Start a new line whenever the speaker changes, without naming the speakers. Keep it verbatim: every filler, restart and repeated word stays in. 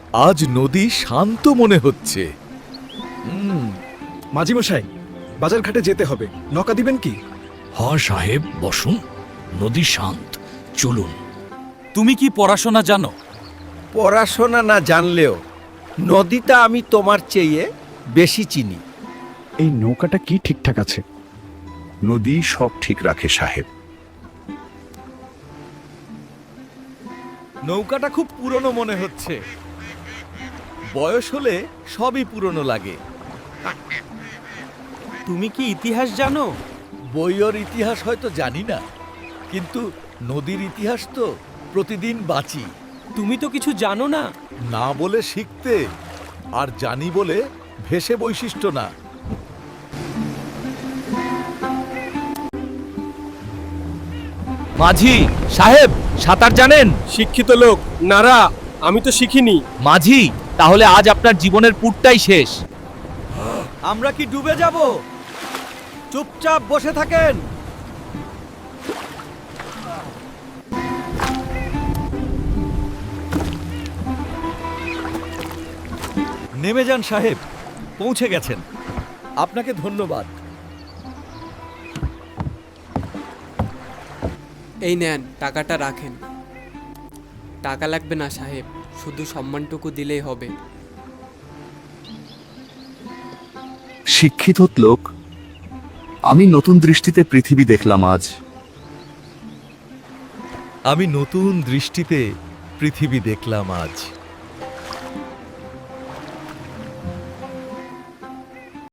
আজ নদী শান্ত মনে হচ্ছে।
মাঝি মশাই, বাজার ঘাটে যেতে হবে, নৌকা দিবেন কি?
হ্যাঁ সাহেব, বসুন। নদী শান্ত, চলুন।
তুমি কি পড়াশোনা জানো?
পড়াশোনা না জানলেও নদীটা আমি তোমার চেয়ে বেশি চিনি।
এই নৌকাটা কি ঠিকঠাক আছে?
নদী সব ঠিক রাখে সাহেব।
নৌকাটা খুব পুরনো মনে হচ্ছে। বয়স হলে সবই পুরনো লাগে।
তুমি কি ইতিহাস জানো?
বইয়ের ইতিহাস হয়তো জানি না, কিন্তু নদীর ইতিহাস তো প্রতিদিন বাঁচি।
তুমি তো কিছু জানো না।
না বলে শিখতে, আর জানি বলে ভেসে বৈশিষ্ট্য না।
মাঝি সাহেব, সাঁতার জানেন?
শিক্ষিত লোক নারা, আমি তো শিখিনি।
মাঝি, তাহলে আজ আপনার জীবনের পুরটাই শেষ।
আমরা কি ডুবে যাব? চুপচাপ বসে থাকেন। নেমে যান সাহেব, পৌঁছে গেছেন। আপনাকে ধন্যবাদ।
এই নেন, টাকাটা রাখেন। টাকা লাগবে না সাহেব, শুধু সম্মানটুকু দিলেই হবে।
শিক্ষিত লোক, আমি নতুন দৃষ্টিতে পৃথিবী দেখলাম আজ।
আমি নতুন দৃষ্টিতে পৃথিবী দেখলাম আজ।